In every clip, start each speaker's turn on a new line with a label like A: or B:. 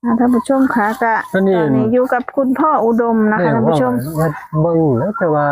A: ท่านผู้ชมค่ะก็ตอนนี้อยู่กับคุณพ่ออุดมนะคะท่านผู้ชม
B: เบิ่งแล้วแต่ว่า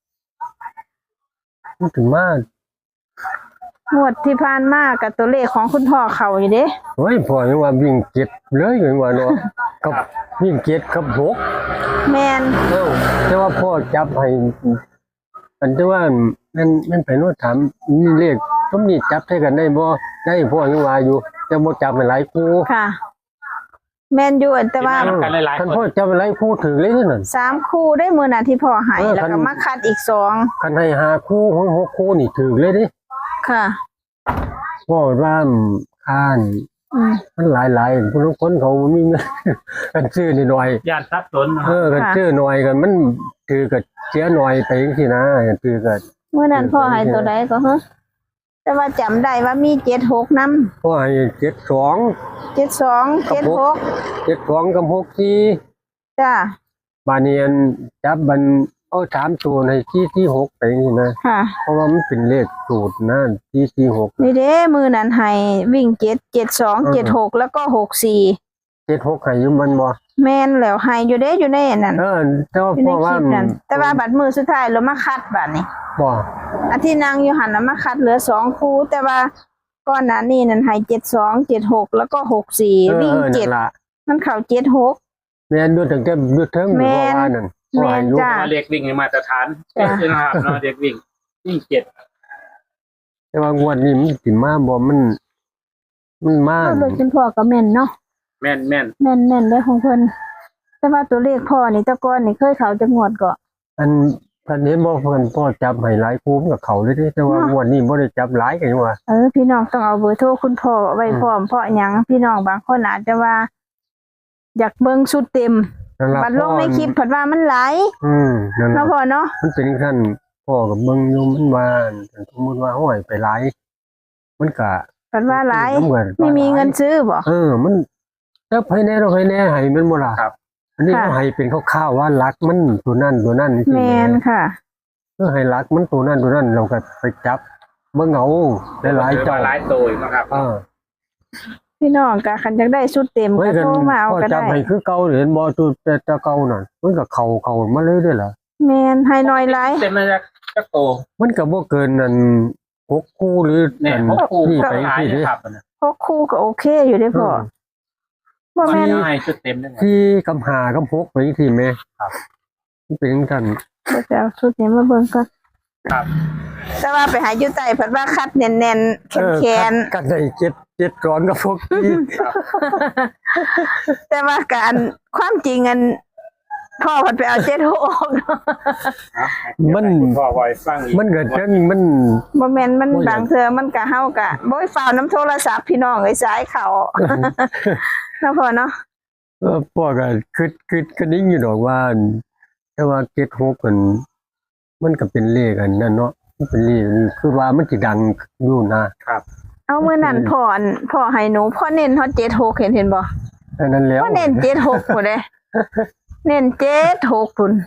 B: ถึงมาก
A: งวดที่ผ่านมากับตัวเลขของคุณพ่อเขาอยู่เด้
B: เฮ้ยพ่อยังว่าวิ่งเจ็ดเลยยังว่าเนาะกับวิ่งเจ็ดกับหก
A: แมน
B: แต่ว่าพ่อจับให้อันที่ว่ามันไปโน่นถามนี่เลขต้มนี่จับใช้กันได้บ่ได้พ่อยังว่าอยู่แต่บ่จับให้หลายคู่
A: ค่ะแมนอยู่แต่ว่า
B: ท่านพ่อจับให้หลายคู่ถึงเลยนั่น
A: 3คู่ได้มื้อนั้นที่พ่อให้แล้วก็มาคัดอีก2
B: คันให้5คู่ของ6คู่นี่ถึงเลยดิ
A: ค่ะ
B: พ่อว่าค่านมันหลายๆผู้คนเขามีเงินกันซื้อหน่อย
C: ญาติทรัพย์สน
B: กันซื้อหน่อยกันมันถือก็เสียหน่อยไปจังซี่นะถือก็
A: มื้อนั้นพ่อให้ตัวใดก็ฮะแต่ว่าจำได้ว่ามี76นำ
B: พ่อให้72 72กับ64
A: จ้า
B: บาดนี้จับมันเอา3ตัวในที่6ไปจังซี่นะ
A: ค่ะ
B: เพราะว่ามันเป็นเลขสูตรนะที่6
A: นี่เด้มื้อนั้นให้วิ่ง7 72 76แล้วก็64
B: 76ให้อยู่มันบ่
A: แม่นแล้วให้อยู่เด้อยู่ในนั่น
B: แต่ว่าเพราะว่า
A: แต่ว่าบัดมื้อสุดท้ายเรามาคัดบัดนี้
B: บ่
A: อันที่นางอยู่หั่นน่ะมาคัดเหลือ2คู่แต่ว่าก่อนหน้านี้นั่นให้72 76แล้วก็64วิ่ง7มันเข้า76
B: แม่นดูตั้งแต่ดูเทิงบ่ว่านั่น
A: แม่นจ้า
C: เด็กวิ่งมาตรฐานนะครับเนาะเด็กวิ่ง7
B: แต่ว่างวดนี้มันสิมาบ่มันมา
A: โดยคุณพ่อก็แม่นเนาะ
C: แม่น
A: ได้ของเพิ่นแต่ว่าตัวเลขพ่อนี่แต่ก่อนนี่เคยเข้าจักงวดก็
B: อันเห็นบ่เพิ่นพ่อจับให้หลายคู่กับเขาเลยเด้แต่ว่างวดนี้บ่ได้จับหลายกันว่า
A: พี่น้องต้องเอาเบอร์โทรคุณพ่อไว้พร้อมเพราะหยังพี่น้องบางคนอาจจะว่าอยากเบิ่งชุดเต็มบัดลงในคลิปเพิ่นว่ามันหลาย
B: นั่น
A: เนาะพ่อเนาะ
B: มันเป็นขั้นพ่อกับเบิ่งอยู่มันว่าสมมุติว่าห้อยไปหลายมันก็
A: เพิ่นว่าหลายไม่มีเงินซื้อบ่
B: มันแล้วภายในเราภายในให้มันบ่ล่ะครับอันนี้เขาให้เป็นคร่าวๆว่ารักมันตัวนั้น
A: แม่นค่ะ
B: ให้รักมันตัวนั้นเราก็ไปจับเบิ่งเอาหลายเจ้า
C: หลายตัวนะครับ
A: พี่น้องก็คันจักได้ชุดเต็มก็โทรมาเอาก็ได้
B: จับให้คือเก่าเห็นบ่ตัวแต่เก่านั่นมันก็เข้ามาเลยเด้อล่ะ
A: แม่นให้น้อยหลาย
C: เต็มมาจักโต
B: มันก็บ่เกินนั่น6คู่หรือ
C: 6คู่
B: นี่ไป
C: ที่นี่ครับ
A: 6คู่ก็โอเคอยู่เด้อพ่อ
C: บ่แม่นให้ชุดเต็มได้
B: ที่กำ5กับ6ไปที่แม่ครับมันเป็นจังซั่น
A: บ่จะเอาชุดนี้มาเบิ่งก่อน
C: ครับ
A: แต่ว่าไปหาอยู่ใต้เพิ่นว่าคัดแน่นๆแข็ง
B: ๆกันได้7ก่อนกับพวกนี้
A: แต่ว่าการความจริงพ่อเพิ่นไปเอา76ออก
B: มัน
C: พ่อไว้ฟัง
B: มันก็จังมัน
A: บ่แม่นมันบางเทื่อมันก็เฮาก็บ่ฟ้าวน้ำโทรศัพท์พี่น้องไอ้สายเขาเนาะพ่อเนาะ
B: พ่อก็คิดนิ่งอยู่ดอกว่าแต่ว่า76มันก็เป็นเลขอันนั้นเนาะมันเป็นเลขคือว่ามันสิดังอยู่นะครับ
A: เอามื้อนั้นพ่อให้หนูพ่อเน้นฮอด76เห็นบ่
B: อันนั้นแล้ว
A: พ่อเน้น76พุ่นเด้เน้น76พุ่น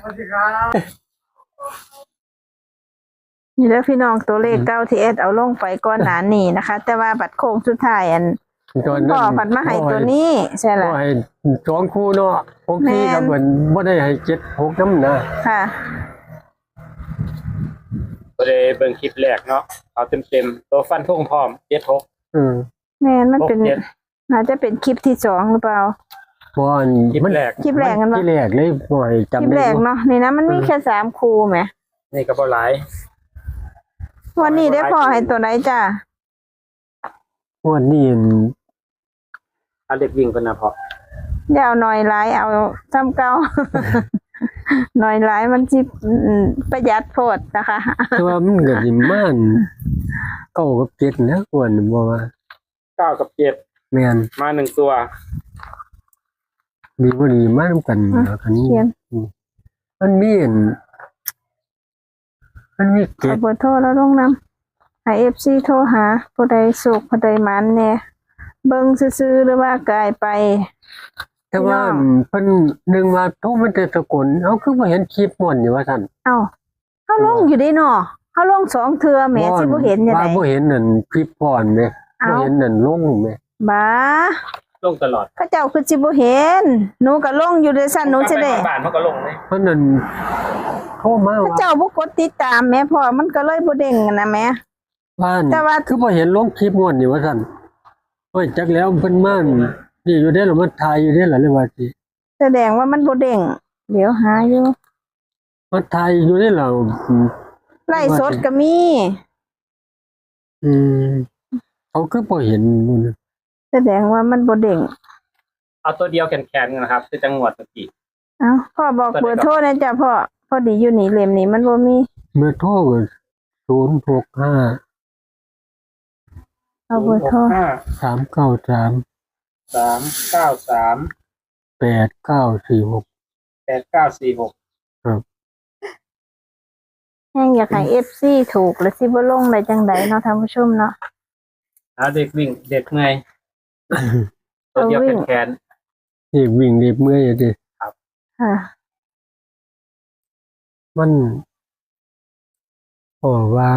A: นี่แล้วพี่น้องตัวเลขเก้าที่เอาลงไปก่อนหน้านี้นะคะแต่ว่าบัดโค้งสุดท้ายพ่อผัดมาให้ตัวนี้ใช่ล่ะ
B: ให้2คู่เนาะ6ที่ก็เหมือนบ่ได้ให้76นำนะ
A: ค่ะ
C: บ่ได้เบิ่งคลิปแรกเนาะเอาเต็มตัวฟันธงพร้อม76
A: แม่นมันเป็นน่าจะเป็นคลิปที่2หรือเปล่า
B: บ่
C: คลิปแรก
A: กันบ่
B: คลิปแรกเลยบ่ให้จำได้
A: คลิปแรกเนาะนี่นะมันมีแค่3คู่แหม
C: นี่ก็บ่หลาย
A: วันนี้ได้พอให้ตัวไหนจ้ะ
B: วันนี้
C: เอาเด็กวิ่งกันนะพอ
A: อย่าเอาหน่อยหลายเอาซ้ำเก่าหน่อยหลายมันสิประหยัดโพดนะคะ
B: แต่ว่ามันก็สิมัน9กับ7นะควรบ่ว่า
C: 9กับ7
B: แม่น
C: มา1ตัว
B: ดีบ่ดีมานำกันคันนี้มันมี
A: เก็บเบอร์โทรแล้วลงนำให้ FC โทรหาผู้ใดสุขผู้ใดมันแน่เบิ่งซื่อๆหรือว่ากายไป
B: แต่ว่าเพิ่นนึงว่าโทรมันจะสกลเฮาคือบ่เห็นคลิปม่วนนี่ว่าซั่น
A: เอ้าเฮาลงอยู่ได้เนาะเฮาลง2เทื่อแหมสิบ่เห็นจังได๋
B: บ่เห็นนั่นคลิปก่อนแม่บ่เห็นนั่นลงแม่
A: บ้า
C: ลงตลอด
A: เขาเจ้าคือสิบ่เห็นหนูก็ลงอยู่เด้ซั่นหนูสิได้
C: ไปบ้านมันก็ลงเลย
B: เพราะนั้นโทรมา
A: เขา
B: ว่า
A: เจ้าบ่กดติดตามแม่พ่อมันก็เลยบ่เด้งนะแม่
B: บ้าน
A: แต่ว่า
B: คือบ่เห็นลงคลิปงวดนี่ว่าซั่นโอ้ยจักแล้วเพิ่นมานี่อยู่เด้อหรือมันถ่ายอยู่เด้อล่ะเลยว่าสิ
A: แสดงว่ามันบ่เด้งเดี๋ยวหาอยู่
B: มันถ่ายอยู่เด้อล่ะ
A: ไล่สดก็มี
B: อืมเขาคือบ่เห็นนู่น
A: แสดงว่ามันบ่เด้ง
C: เอาตัวเดียวแข็งๆนะครับคือจังหวัดเมื่อกี้
A: เอ้าพ่อบอกเบอร์โทรนะจ๊ะพ่อพอดีอยู่นี่เล่มนี้มันบ่มี
B: เมื่อโทรก็065
A: เอาเบอร์โทร
B: 393
C: 393
B: 8946
C: 8946
A: แห้งอยากให้ FC ถูกแล้วสิบ่ลงได้จังไดเนาะท่านผู้ชมเนาะ
C: เด็กวิ่งเด็กเมื่อยตัวเดียวแขน
B: นี่วิ่งเรียบเมื่อยดิ
A: ค่ะ
B: มันเพราะว่า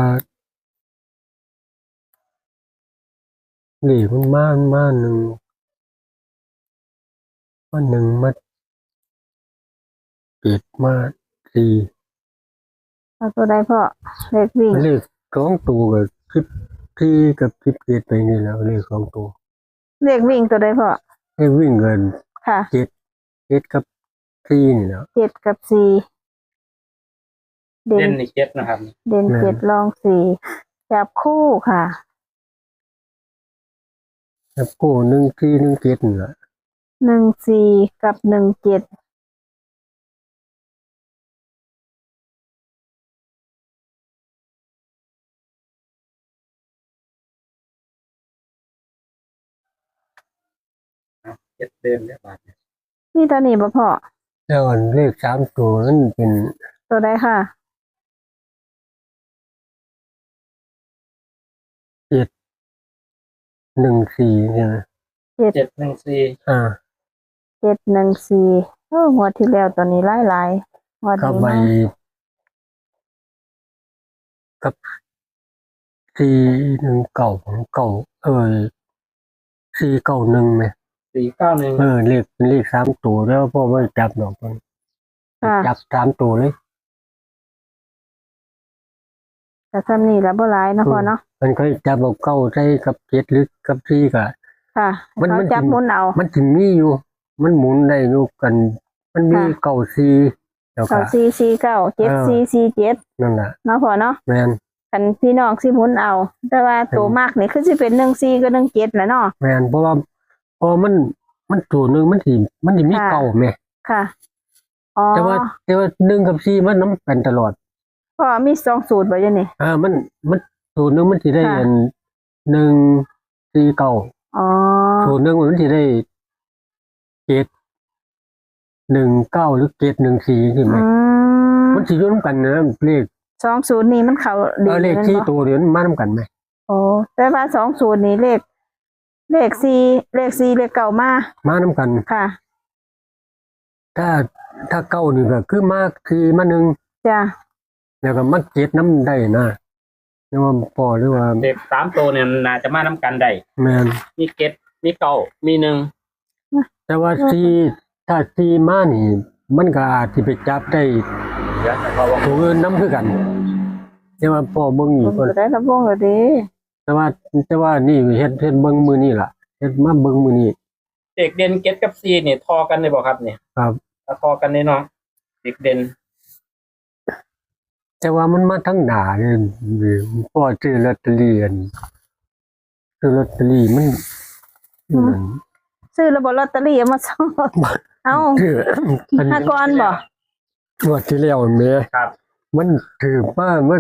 B: นี่มันมาหนึ่งมาเปิดมาสี่
A: เอาตัวใดพ่อเลขวิ่ง
B: เลขสองตัวกับที่กับ17ไปนี่แหล้วเลขสองตัว
A: เลขวิ่งตัวใดพ่อ
B: ให้วิ่งเงิน
A: ค่ะ
B: 7กับ4นี่แหล้ว
A: 7กับ4เด่
C: เล่
A: น
C: นในเจ็ดนะครับ
A: เด่น7รอง4จับคู่ค่ะ
B: แล้วกู1-4-1-7นี่แหละ
A: 14กับ17
C: เจ็ดเดินเนี่ยบาท
A: นี่ตัวนี้บ่พ่อ
B: แล้วอันเลข3ตัวนั้นเป็น
A: ตัวใดค่ะ
B: 1-4ใช่ไหม
C: 714
B: อ่า
A: 714งวดที่แล้วตัวนี้หลายๆงวด
B: เข้า
A: นี้
B: ไป
A: มา
B: กับ419ของเก่า491ไหม
C: 491
B: เลขเป็นเลข3ตัวแล้วพ่อไม่จับดอกมัน
A: ค่ะ
B: จับ3ตัวเลย
A: แต่ซ้ำนี่แล้วบ่หลายเนาะพ่อเนาะ
B: มันก็จับเอาเก้าใส่กับ7หรือกับ4ก็
A: ค่ะ
B: มัน
A: เขาจับหมุนเอา
B: มันถึงมีอยู่ มันหมุนได้อยู่กัน มันมี
A: ค่ะ
B: เก้า4แล้วก็
A: 9449 7447
B: นั่นน่ะ
A: เนาะพ่อเนาะ
B: แม่น
A: คันพี่น้องสิหมุนเอา แต่ว่าตัวมากนี่คือสิเป็น14กับ17แหละเนาะ
B: แม่นเพราะว่ามันตัวหนึงมันสิมี
A: ค่ะ
B: เก้าแม่
A: ค่ะอ๋อ
B: แต่ว่า1กับ4มันนํกันตลอด
A: พ่อมี2สูตรบ่อยู่นี่
B: มันตัวหนึงมันสิได้
A: ค่ะ
B: อัน149
A: อ๋อ
B: ตัวหนึงมันสิได้719หรือ714นี่ไหม
A: อืม
B: มันสิอยู่นํกันนะเลข
A: 2สูตรนี้มันเข้าดี
B: เลข
A: แม่น
B: ที่
A: บ่
B: ตัวเดียวมันมานํกันไหม
A: โอ้แต่ว่า2สูตรนี้เลข4เลขเก่ามา
B: มานํกัน
A: ค่ะ
B: ถ้าเก้านี่ก็คือมากที่มาหนึ่ง
A: จ้ะ
B: แล้วก็มาเจ็ดน้ำได้นะเรียกว่าพอหรือว่า
C: เด็ก3ตัวเนี่ยน่าจะมาน้ำกันได้
B: แมน
C: มีเก็ดมีเก่ามีหนึ่ง
B: แต่ว่าซีถ้าซีมานี่ มันก็อาจสิไปจับได้
C: เดี๋ยวเพราะว่า
B: ตัวอื่นน้ำคือกัน แต่ว่าพอเบิ่ง
A: ผ
B: นี่
A: ม
B: ก่อน
A: จะได้ระวงแล้วเดิ
B: แต่ว่านี่เฮ็ดเบิ่งมือนี่ล่ะเฮ็ดมาเบิ่งมือนี่
C: เด็กเด่นเก็ดกับซีเนี่ยทอกันเลยบอกครับเนี่ย
B: ครับ
C: ถ้าทอกันเนี่ยเนาะเด็กเด่น
B: แต่ว่ามันมาทั้งหน้าเลยพอซื้อลอตเตอรี่อันซื้อลอตเตอรี่มัน
A: ซื้อระบบลอตเตอรี่เอามาส่งเอ้า
B: คืออัน
A: หากรบ่
B: งวดที่แล้วแม่
C: ครับ
B: มันถือว่ามัน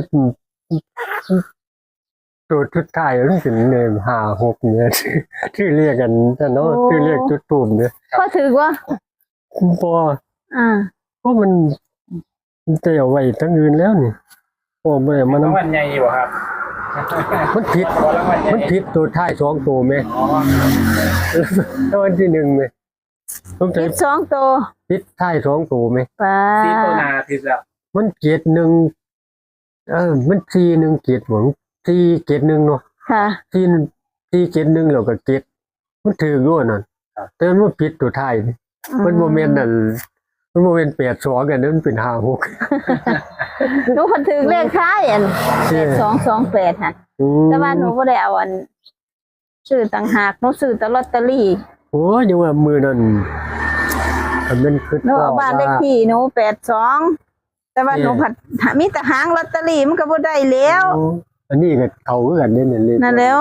B: ตัวชุดไทายมันเป็นเนี่ย5-6เนี่ยที่เรียกกันแต่เนาะที่เรียกจุดตูมเนี่ย
A: ก็ถือว่า
B: พอ
A: อ่า
B: เพราะมันจะเอาไว้ทั้งอื่นแล้วนี่พอไม่มัน
C: รางวัลใหญ่บ่ครับ
B: มันผิด
C: รางวัลใหญ่
B: มันผิดตัวท้าย2ตัวไหม
C: อ๋อ
B: แล้ววันที่1ไหมต้องใช้
A: คิด2ตัว
B: ผิดท้าย2ตัวไหม
A: ป้า
C: ซีตัวนาที่แล้ว
B: มันเกียรติ1มัน4-1เกียรติหวัง4-1เนาะ
A: ค่ะ
B: 4-1แล้วก็เกียรติมันถืออยู่นั่นแต่มันผิดตัวท้ายนี่มันบ่แม่นนั่นมันบ่แม่น82กันนั้นมันเป็น56
A: หนูเพิ่นถือเลขท้ายอัน8228ค่ะ แต่ว่าหนูบ่ได้เอาอันซื้อต่างหากหนูซื้อแต่ลอตเตอรี่
B: โอ้ยยังว่ามือนั่นอันนั้นคือ
A: หนูเอาบ้านเลขที่หนู82แต่ว่าหนูผัดมีแต่หางลอตเตอรี่มันก็บ่ได้แล้ว
B: อันนี้ก็เขาคือกันนี่เลย
A: นั่นแล้ว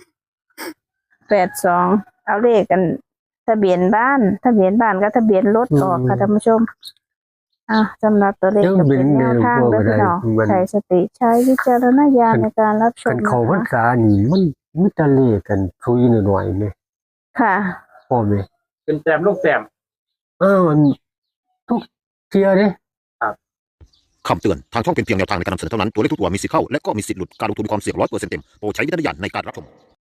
A: 82เอาเลขกันทะเบียนบ้านกับทะเบียนรถออกค่ะท่านผู้ชมสำหรับตัวเลขก็เป็นแนวทางเด้อพี่น้องใช้สติใช้วิจารณญาณในการรับช
B: กั
A: ม
B: นเขาพรรษานี่มันมีแต่เลขกันคุยหน่อยๆแม่
A: ค่ะ
B: พ่อแม่
C: เป็นแต้มลูกแต้ม
B: มันทุกเที่ยเด้
D: คำเตือน ทางช่องเป็นเพียงแนวทางในการนำเสนอเท่านั้น ตัวเลขทุกตัวมีสิทธิ์เข้า และก็มีสิทธิ์หลุด การลงทุนมีความเสี่ยง100%เต็ม โปรดใช้วิจารณญาณในการรับชม